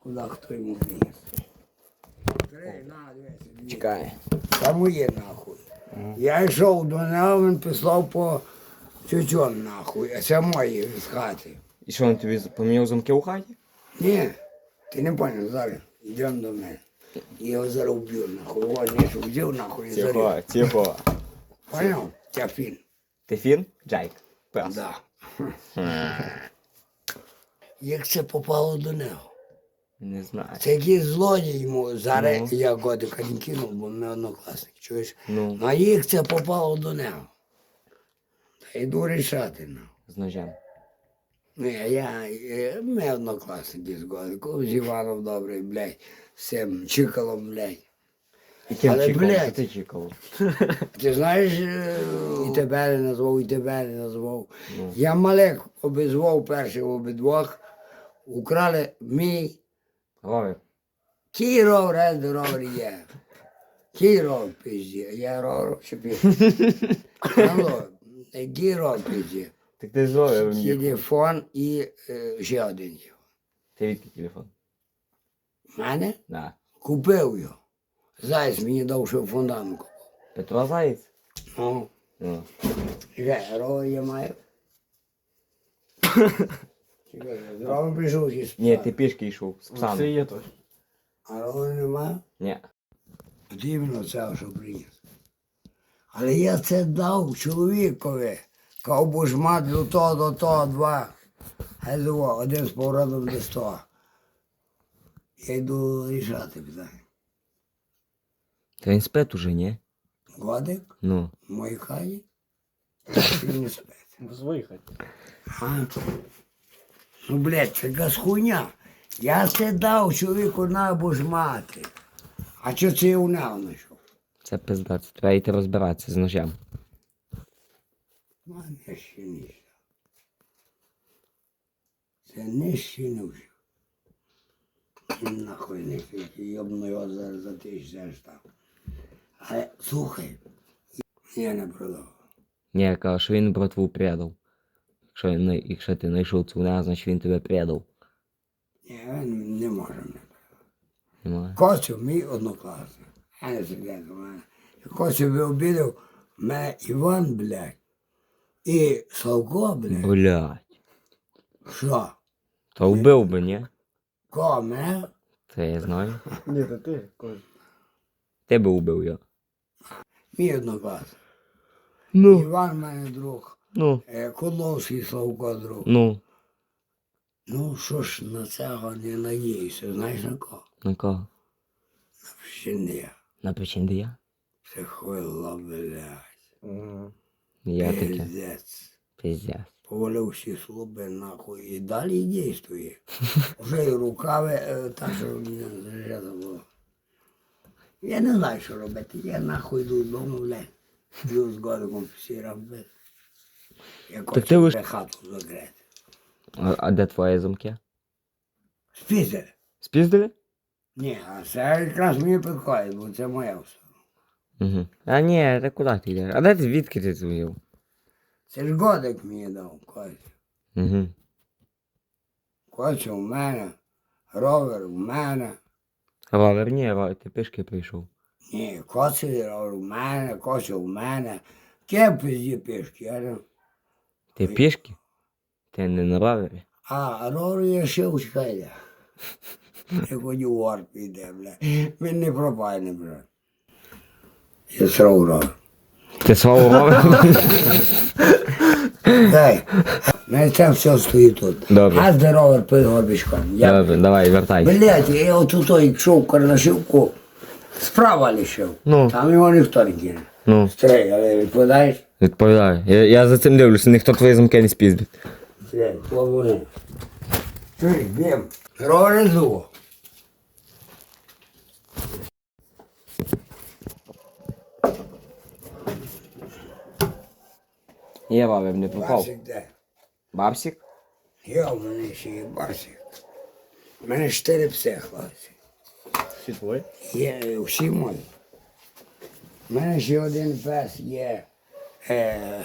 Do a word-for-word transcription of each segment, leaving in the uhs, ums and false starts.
Куди хто йому приніс? Три, на, дивися. Чекай. Та моє нахуй. Я йшов до нього, він післав по тютюн нахуй, а це мої з хати. І що, він тобі поміняв замки у хаті? Ні, ти не поняв, зараз йдемо до мене. Я його зараз вб'ю нахуй. О, не що вб'ю нахуй і зарю. Тихо, тихо. Поняв? Це фін. Ти фін? Джайк. Пес. Да. Як це попало до нього? Не знаю. Це якийсь злодій йому. Зараз Ну. я годика не кинув, бо ми однокласник, чуєш? Ну. А як це попало до нього? Та йду рішати, ну. З ножем. Ні, я, я, ми однокласники з годиком, з Іваном добрий, блядь, з цим Чикалом, блядь. І ким Але, чікав? блядь. Що ти чікав? Ти знаєш, е, і тебе не назвав, і тебе не назвав. Ну. Я малек обізвав перших обидвох, украли мій Ровер. кій ровер, а де ровер є. Кій ровер пизді, я ровер чи пизді. Алло, кій ровер пизді. Так ти з ровером їхав. Телефон і е, ще один є. Ти відки телефон? Мене? Да. Купив його. Зайць мені дав, що фундамент купив. Петро Заєць? Ну, Ну. чекай, ровер я маю. Чекай, ровер прийшов зі спа. Ні, ти пішки йшов з Це псами. є теж. А ровер немає? Ні. От іменно це, що приніс. Але я це дав чоловікові. Ковбу ж мати до того, до того, два. Хай зово, один з поворотом до сто. Я йду рішати питання. Та він спить уже, ні? Годик Ну. в моїй хаті. Він не спить. В своїй хаті. А? Ну, блядь, це якась хуйня. Я це дав чоловіку на бужмати. А що це я у нього знайшов? Це пизда, це треба йти розбиратися з ножем. Мам, я ще не вжив. Це не ще не вжив. Нахуй не фіки, йобну його за, за тисячу там. Але, слухай, я не продав. Ні, я кажу, що він братву предав. Якщо, він не- якщо ти знайшов цю вона, значить він тебе предав. Ні, він не може мене продати. Немає. Костю мій однокласник. Я не секрет у мене. Костю би обідав мене Іван, блядь, і Славко, блядь. Блядь. Що? Та вбив би, ні? Кого, мене? Це я знаю. Ні, то ти, Коль. Ти би вбив його. Мій однокласник. Ну. Іван в мене друг. Ну. Е, Кудловський Славко друг. Ну. Ну, що ж на цього не надіюся, знаєш на кого? На кого? Ще На причиндія? Це хуйло, блядь. Угу. Я таке. Пиздець. Пиздец. Повалив всі слуби нахуй і далі дійствує. Вже і рукави е, так, що мені заряджено було. Я не знаю, що робити. Я нахуй йду додому, блядь. Йду з годиком всі робити. Я ти хочу лиш- вже хату закрити. А, а де твої замки? Спізер. Спіздили? Ні, а це якраз мені підходить, бо це моя все. Угу. А ні, та куди ти йдеш? А де ти, звідки ти це взяв? Це ж годик мені дав, Костя. Угу. Костя у мене, ровер у мене. Ровер, ні, ровер, ти пішки прийшов. Ні, Костя ровер у мене, Костя у мене. Кем пизді пішки, я не... Ти пішки? Ти не на ровері? А, ровер я ще учкає. Я ходю в вар піде, бля. Він не пропайне, бля. Я срав ровер. Ти свого ровер? Дай, мене це все стоїть тут. Добре. А де ровер під горбішком. Я... Добре, давай, вертай. Блядь, я отут йшов Карнашівку, справа лишив. Ну. Там його ніхто не кине. Ну, Стрей, але відповідаєш? відповідаю. Я, я за цим дивлюся, ніхто твої замки не спіздить. Стрей, плавуни. Чуй, бім. Рорезу. Я ровер не попав. Барсик де? Бабсик? Я у мене ще є барсик. У мене чотири пси, хлопці. Всі твої? Є всі мої. У мене ще один пес є. Е,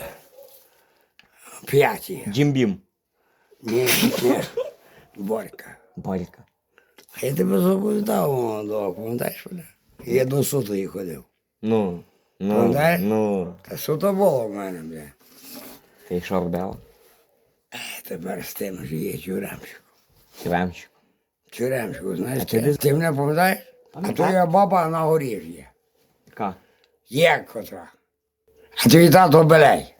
п'ять є. Джимбім. Ні, ні. Борька. Борька. А я тебе заповідав молодого, пам'ятаєш мене? Я до сутої ходив. Ну, ну, Пам'ятаєш? ну. Та суто було в мене, бля. І що робила? Тепер з тим ж є тюремщик. Тюремщик. Тюремщику, знаєш, ти ти, ти мене пам'ятаєш? А Пам'ятаю. твоя баба на горі ж є. Яка? Є котра. А твій тато белей.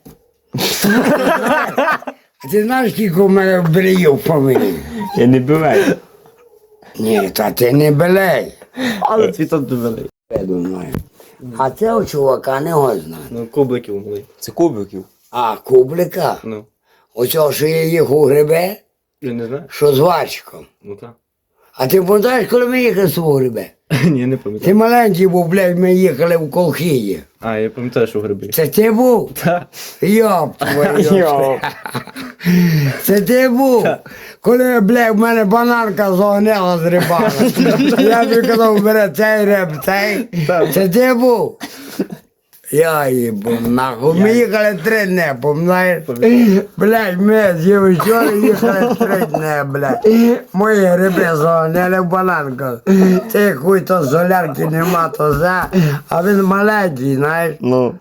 А ти знаєш, скільки у мене белеїв в фамілії? Я не буваю. Ні, та ти не белей. Але цвіток довели. Я думаю. А цього чувака не го знає. Ну, кубликів були. Це кубиків. А, Кублика. Ну, Оцього, що я їх у грибе, я не знаю. що з Вачиком. Ну так. А ти пам'ятаєш, коли ми їхали з свого грибе? Ні, не Ти пам'ятаю. маленький був, блядь, ми їхали в Колхії. А, я пам'ятаю, що гриби. Це ти був? Так. Йоп, твою. Йоп. Це ти був? Коли, блядь, в мене бананка загоняла з рибами. Я тобі казав, бере цей риб, цей. Це ти був? Я їбу, нахуй. Ми їхали три дні, пам'ятаєш? Блядь, ми з Євичора їхали три дні, блядь. Мої гриби загоняли в бананку. Ти хуй, то солярки нема, то за. А він маленький, знаєш. Ну.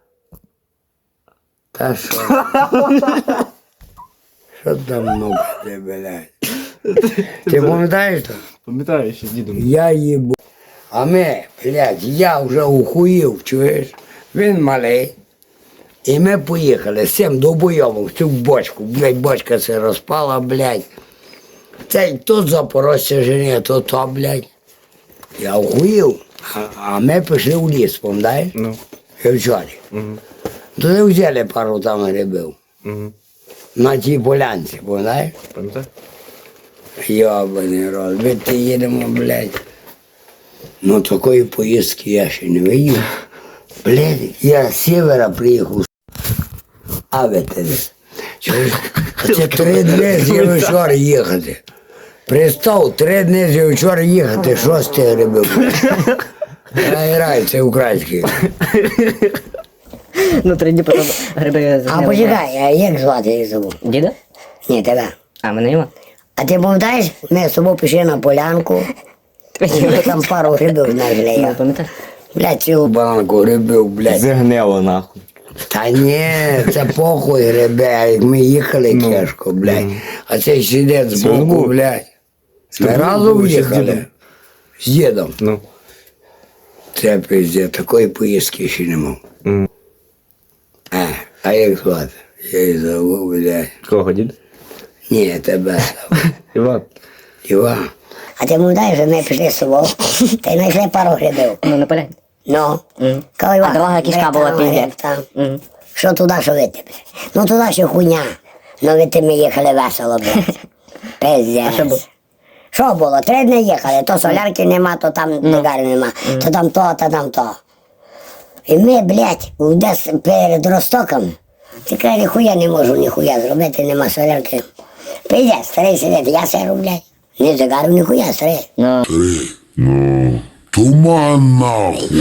Та що? Що там нукати, блядь? Ти пам'ятаєш то? Пам'ятаю, ще з дідом. Я їбу. А ми, блядь, я вже ухуїв, чуєш? Він малий. І ми поїхали з цим довбойовим в цю бочку. Блядь, бочка це розпала, блядь. Цей тут Запорожця жене, то то, блядь. Я ухуїв. А, а ми пішли в ліс, пам'ятаєш? Ну. Вчорі. Угу. Туди взяли пару там грибів. Угу. На тій полянці, пам'ятаєш? Пам'ятаю? Йобаний рот, ви ти їдемо, блядь. Ну такої поїздки я ще не видів. Блядь, я з севера приїхав. А ви ти десь. Чуєш? Це три дні з Євичора їхати. Представ, три дні з Євичора їхати, що з тих грибів? Грай, грай, це український. Ну, три дні потім гриби А почекай, а як звати їх забув? Діда? Ні, тебе. А, мене нема. А ти пам'ятаєш, ми з тобою пішли на полянку, і ми там пару грибів знайшли. Ну, я. пам'ятаєш? Блядь, цілу банку грибів, блядь. Загнило нахуй. Та ні, це похуй грибе, а як ми їхали кешко, блядь. А цей сидить збоку, блядь. Ми разом були ще з їхали. дідом. З дідом. Ну. Це пиздец, такої поїздки ще не мав. Мгм. А, а як звати? Я її забув, блядь. Кого, дід? Ні, тебе забув. Іван. Іван. А ти пам'ятаєш, що ми пішли з собою, та й знайшли пару грибів. Ну, не поляй. Ну, Мгм. коли А дорога кишка була піздець. там. Мгм. Що туди, що вити, блядь. Ну туди ще хуйня. Ну вити ми їхали весело, блядь. Пиздець. що було? Що було? Три дні їхали, то солярки нема, то там дигарі нема, то там то, то там то. І ми, блядь, десь перед Ростоком, ти каже, ніхуя не можу, ніхуя зробити, нема солярки. Пиздець, старий сидить, я сиру, блядь. Не дигарів, ніхуя, старий. Ну, Ну, туман нахуй.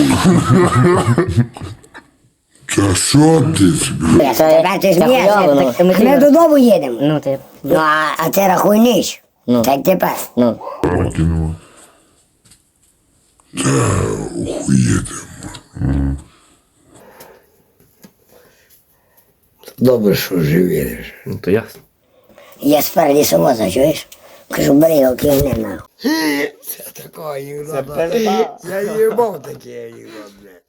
Та що ти собі? Я тепер ти Та хуйово, ну, смієшся, ти ми мотивуєш. додому їдемо. ну, ти... Ну, а, а ти рахуй ніч. Ну. Так тепер. Ну, Викинув. Та охуєте. Добре, що живі. Ну, то ясно. Я спер лісовоза, чуєш? Кажу, бери його, кигни нахуй. Це такого анекдота. Я їбав такий анекдот, блядь.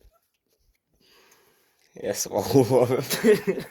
Я свого ловив.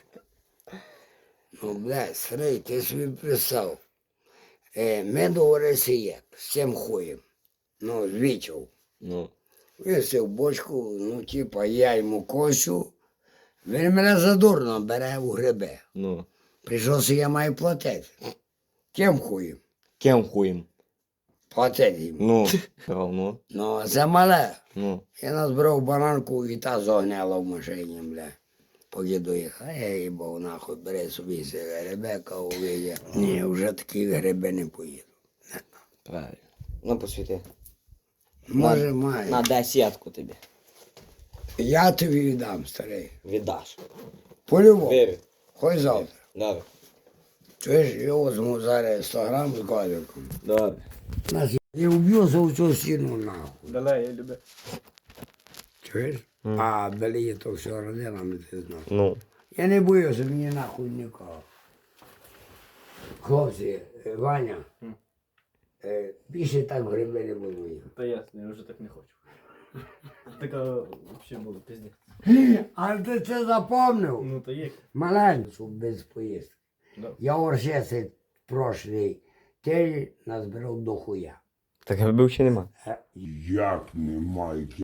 Ну, блядь, старий, ти собі представ. Е, ми договорилися як, з цим хуєм. Ну, з Вічов. Ну. Він сів бочку, ну, типа, я йому косю. Він мене задурно бере у гриби. Ну. Прийшовся, я маю платити. Ким хуєм? Кем хуєм? Платити йому. Ну. Ну. Ну, а це мале. Ну. Я назбирав бананку і та загняла в машині, бля. Поки доїхав, а я їбав нахуй, бери собі ці грибека, увидя. Ні, вже такі гриби не поїду. Правильно. Ну, посвіти. Може, маю. На десятку тобі. Я тобі віддам, старий. Віддаш. По-любому. Вірю. Хоч завтра. Добре. Чуєш, я візьму зараз сто грам з козиком. Добре. Нас І вб'юся у цю стіну нахуй. Далее, я люблю. Чуєш? А далі є то все родинами, ти знаєш. Ну. Я не боюся, мені нахуй нікого. Хлопці, е, Ваня, е, більше так в гриби не буду їхати. Та ясно, я вже так не хочу. Така взагалі було пізні. А ти це запомнив? Ну то є. Маленько, щоб без поїздки. Да. Я оршеси прошлий тиждень назбирав до хуя. Так грибів ще нема. Е, Як немає?